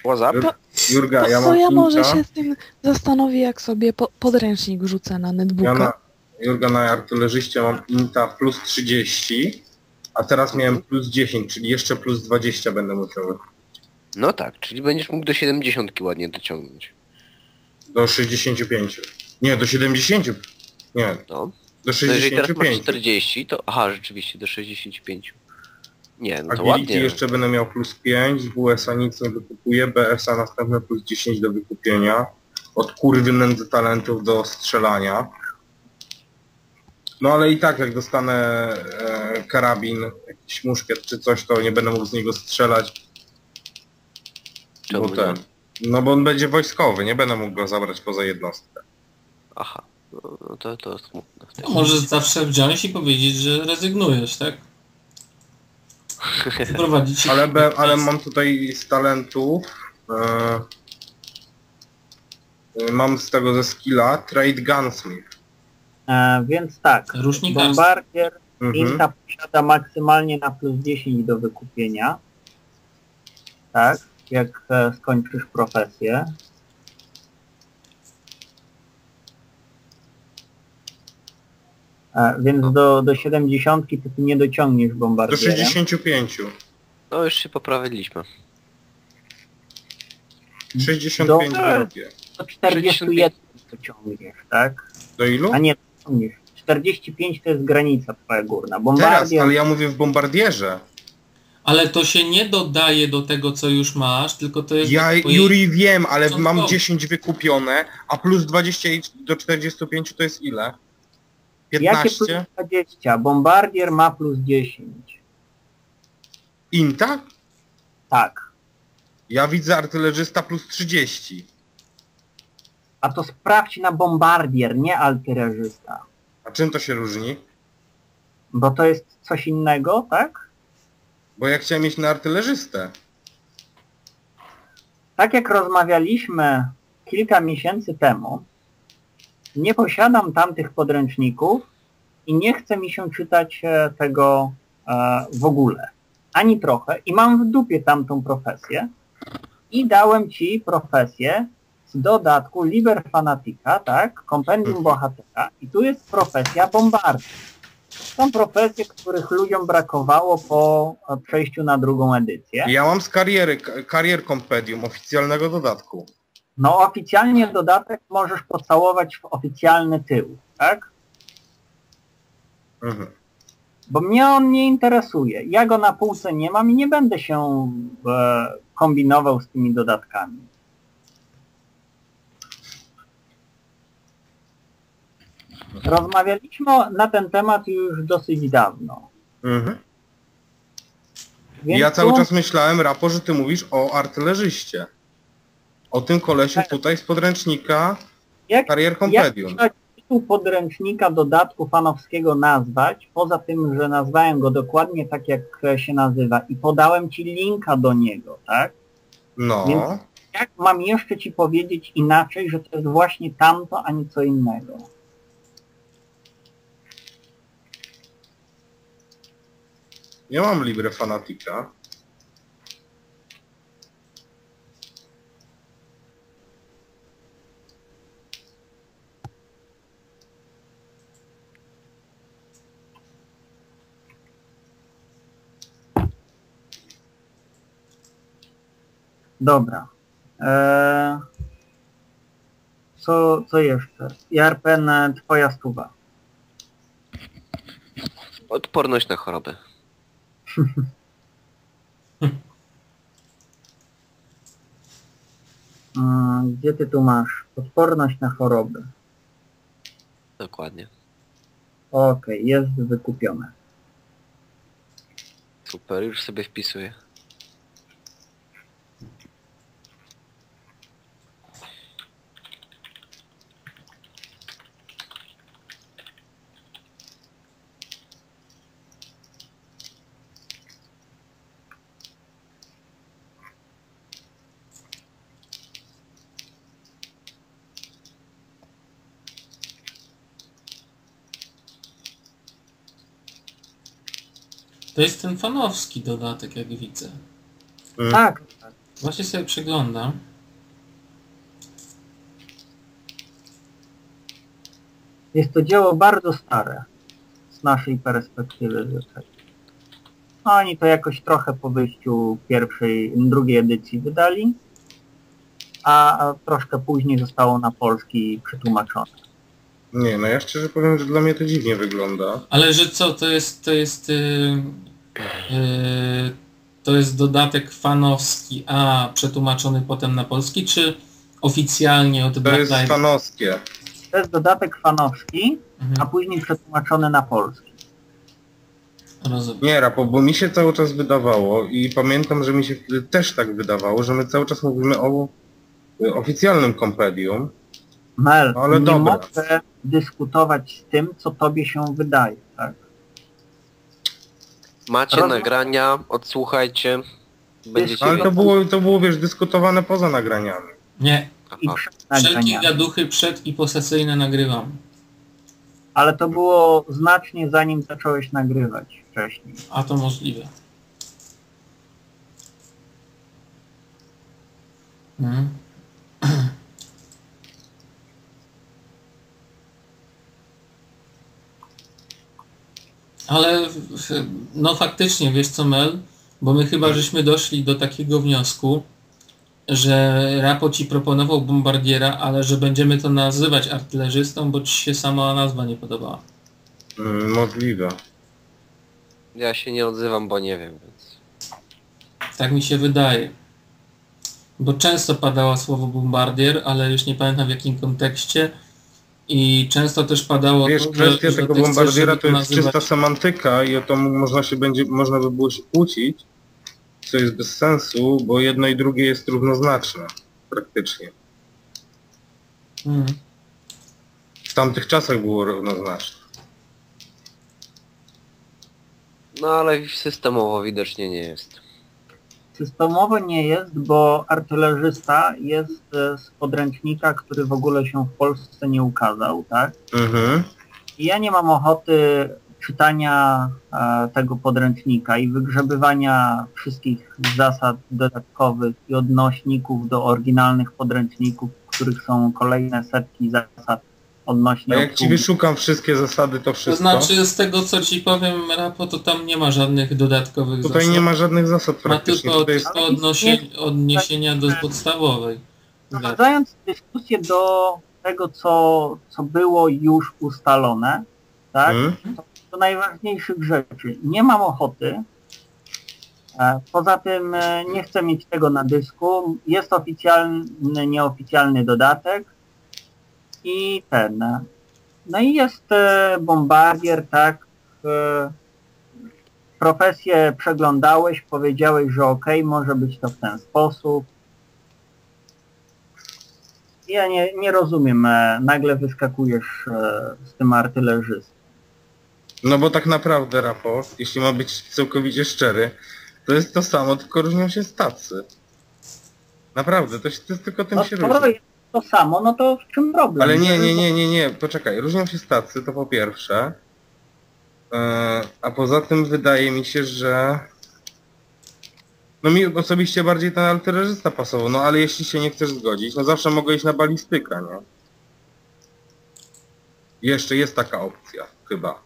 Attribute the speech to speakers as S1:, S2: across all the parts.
S1: WhatsApp?
S2: Jurga, ja
S3: To
S2: mam
S3: ja może
S2: Inta.
S3: się z tym zastanowię, jak sobie podręcznik rzucę na netbooka.
S2: Jurga, na artylerzyście mam Inta plus 30, a teraz miałem plus 10, czyli jeszcze plus 20 będę musiał.
S1: No tak, czyli będziesz mógł do 70 ładnie dociągnąć.
S2: Do 65. Nie, do 70. Nie,
S1: No.
S2: do
S1: To jeżeli teraz masz
S2: 65.
S1: 40, to... Aha, rzeczywiście, do 65. Nie, no to
S2: Agility
S1: ładnie.
S2: jeszcze będę miał plus 5, z WS-a nic nie wykupuję, BS-a następne plus 10 do wykupienia. Od kurwy nędzy talentów do strzelania. No ale i tak jak dostanę karabin, jakiś muszkiet czy coś, to nie będę mógł z niego strzelać.
S1: Czemu
S2: Bo
S1: nie?
S2: no bo on będzie wojskowy, nie będę mógł go zabrać poza jednostkę.
S1: Aha, no to smutne.
S4: Możesz zawsze wziąć i powiedzieć, że rezygnujesz, tak? Prowadzić się...
S2: Ale mam tutaj z talentów, mam z tego ze skilla Trade Gunsmith.
S5: Więc tak,
S4: Rusznikarstwo.
S5: Bombardier
S2: Mhm.
S5: Inta posiada maksymalnie na plus 10 do wykupienia. Tak, jak skończysz profesję. Więc do 70 to ty nie dociągniesz
S2: Do
S5: bombardierem.
S2: 65.
S1: No już się poprawiliśmy.
S2: 65
S5: Do-
S2: robię.
S5: Do 41 dociągniesz, tak?
S2: Do ilu?
S5: A nie dociągniesz. 45 to jest granica twoja górna.
S2: Teraz,
S5: Bombardier
S2: ale ja mówię w bombardierze.
S4: Ale to się nie dodaje do tego, co już masz, tylko to jest...
S2: Ja
S4: do twojej-
S2: Juri wiem, ale mam
S4: początkowo.
S2: 10 wykupione, a plus 20 do 45 to jest ile?
S5: jakie plus
S2: 15?
S5: 20? Bombardier ma plus 10.
S2: Inta?
S5: Tak.
S2: Ja widzę artylerzysta plus 30.
S5: A to sprawdź na bombardier, nie artylerzysta.
S2: A czym to się różni?
S5: Bo to jest coś innego, tak?
S2: Bo ja chciałem mieć na artylerzystę.
S5: Tak jak rozmawialiśmy kilka miesięcy temu, nie posiadam tamtych podręczników i nie chce mi się czytać tego w ogóle. Ani trochę. I mam w dupie tamtą profesję. I dałem ci profesję z dodatku Liber Fanatica, tak? Kompendium Bohatera. I tu jest profesja Bombardier. Są profesje, których ludziom brakowało po przejściu na drugą edycję.
S2: Ja mam z Carrier Compendium, oficjalnego dodatku.
S5: No oficjalnie dodatek możesz pocałować w oficjalny tył, tak?
S2: Mhm.
S5: Bo mnie on nie interesuje. Ja go na półce nie mam i nie będę się kombinował z tymi dodatkami. Rozmawialiśmy na ten temat już dosyć dawno.
S2: Mhm.
S5: Więc
S2: Ja cały
S5: tu-
S2: czas myślałem, Rapo, że ty mówisz o artylerzyście. O tym kolesiu tutaj z podręcznika Carrier Compendium.
S5: Jak tytuł podręcznika dodatku fanowskiego nazwać, poza tym, że nazwałem go dokładnie tak, jak się nazywa i podałem ci linka do niego, tak?
S2: No.
S5: Więc jak mam jeszcze ci powiedzieć inaczej, że to jest właśnie tamto, a nie co innego?
S2: Ja mam Libre Fanatica.
S5: Dobra. Co jeszcze? Jarpen, twoja stuwa.
S1: Odporność na choroby.
S5: Gdzie ty tu masz? Odporność na choroby.
S1: Dokładnie.
S5: Okej, jest wykupione.
S1: Super, już sobie wpisuję.
S4: To jest ten fanowski dodatek, jak widzę.
S5: Tak,
S4: Właśnie sobie przeglądam.
S5: Jest to dzieło bardzo stare z naszej perspektywy. No, oni to jakoś trochę po wyjściu drugiej edycji wydali, a troszkę później zostało na polski przetłumaczone.
S2: Nie, no ja szczerze powiem, że dla mnie to dziwnie wygląda.
S4: Ale że co, to jest dodatek fanowski, a przetłumaczony potem na polski, czy oficjalnie od
S2: To
S4: Black
S2: jest
S4: Lives?
S2: fanowskie.
S5: To jest dodatek fanowski, a
S4: Mhm,
S5: później przetłumaczony na polski.
S4: rozumiem.
S2: Nie, Rapo, bo mi się cały czas wydawało i pamiętam, że mi się wtedy też tak wydawało, że my cały czas mówimy o oficjalnym kompendium.
S5: Mel,
S2: Ale
S5: nie
S2: dobra.
S5: mogę dyskutować z tym, co tobie się wydaje, tak?
S1: Macie
S5: Roz-
S1: nagrania, odsłuchajcie. Będziecie
S2: Ale
S1: wiedzieć.
S2: to było, wiesz, dyskutowane poza nagraniami.
S4: Nie,
S5: I
S1: Aha.
S5: przed
S4: wszelkie
S5: nagraniami.
S4: gaduchy przed i posesyjne nagrywam.
S5: Ale to było znacznie zanim zacząłeś nagrywać wcześniej.
S4: A to możliwe. Mhm. Ale no faktycznie, wiesz co, Mel, bo my chyba żeśmy doszli do takiego wniosku, że Rapo ci proponował bombardiera, ale że będziemy to nazywać artylerzystą, bo ci się sama nazwa nie podobała.
S2: Możliwe.
S1: Ja się nie odzywam, bo nie wiem, więc...
S4: Tak mi się wydaje. Bo często padało słowo bombardier, ale już nie pamiętam w jakim kontekście. I często też padało
S2: Wiesz,
S4: to,
S2: kwestia
S4: że
S2: tego
S4: ty chcesz,
S2: bombardiera
S4: żeby
S2: to jest
S4: nazywać-
S2: czysta semantyka i o to można by było się kłócić, co jest bez sensu, bo jedno i drugie jest równoznaczne, praktycznie.
S4: Mhm.
S2: W tamtych czasach było równoznaczne.
S1: No ale systemowo widocznie nie jest.
S5: Systemowo nie jest, bo artylerzysta jest z podręcznika, który w ogóle się w Polsce nie ukazał, tak?
S2: Mhm.
S5: I ja nie mam ochoty czytania tego podręcznika i wygrzebywania wszystkich zasad dodatkowych i odnośników do oryginalnych podręczników, w których są kolejne setki zasad odnośnie
S2: A jak ci
S5: obsługi.
S2: wyszukam wszystkie zasady, to
S4: To
S2: wszystko.
S4: znaczy z tego co ci powiem, Rapo, to tam nie ma żadnych dodatkowych
S2: Tutaj
S4: zasad.
S2: nie ma żadnych zasad
S4: Ma
S2: praktycznie.
S4: tylko
S2: Tutaj jest...
S4: odniesienia do podstawowej.
S5: Wprowadzając dyskusję do tego, co było już ustalone, tak?
S2: Mhm.
S5: Do najważniejszych rzeczy. Nie mam ochoty. Poza tym nie chcę mieć tego na dysku. Jest oficjalny, nieoficjalny dodatek i ten. No i jest bombardier, tak? Profesję przeglądałeś, powiedziałeś, że okej, może być to w ten sposób. Ja nie rozumiem, nagle wyskakujesz z tym artylerzystą.
S2: No bo tak naprawdę, raport, jeśli ma być całkowicie szczery, to jest to samo, tylko różnią się stacy. Naprawdę, to jest tylko tym
S5: No
S2: się
S5: skoro
S2: różni.
S5: jest to samo, no to w czym problem?
S2: Ale nie, poczekaj, różnią się stacy, to po pierwsze. A poza tym wydaje mi się, że... No mi osobiście bardziej ten artylerzysta pasował, no ale jeśli się nie chcesz zgodzić, no zawsze mogę iść na balistykę, nie? Jeszcze jest taka opcja, chyba.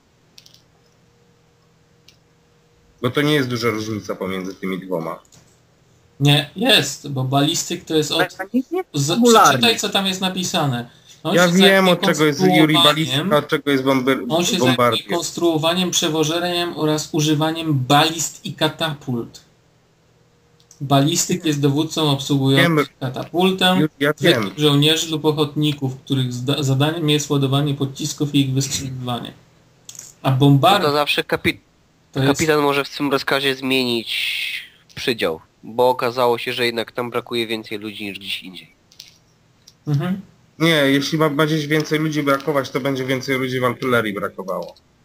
S2: Bo to nie jest duża różnica pomiędzy tymi dwoma.
S4: Nie, jest, bo balistyk to jest od...
S5: Mechanik nie jest
S4: Przeczytaj co tam jest napisane. On
S2: Ja
S4: się
S2: wiem,
S4: zajmuje
S2: od czego jest Yuri
S4: konstruowaniem-
S2: balistyka, od czego jest
S4: On się zajmuje
S2: bombardier.
S4: konstruowaniem, przewożeniem oraz używaniem balist i katapult. Balistyk jest dowódcą obsługującym
S2: Wiem.
S4: katapultem,
S2: Ja wiem.
S4: zwykłych żołnierzy lub ochotników, których zadaniem jest ładowanie pocisków i ich wystrzeliwanie. A
S1: No to
S4: bombardier
S1: zawsze
S4: to jest...
S1: kapitan może w tym rozkazie zmienić przydział, bo okazało się, że jednak tam brakuje więcej ludzi niż gdzieś indziej.
S4: Mhm.
S2: Nie, jeśli ma gdzieś więcej ludzi brakować, to będzie więcej ludzi w artylerii brakowało.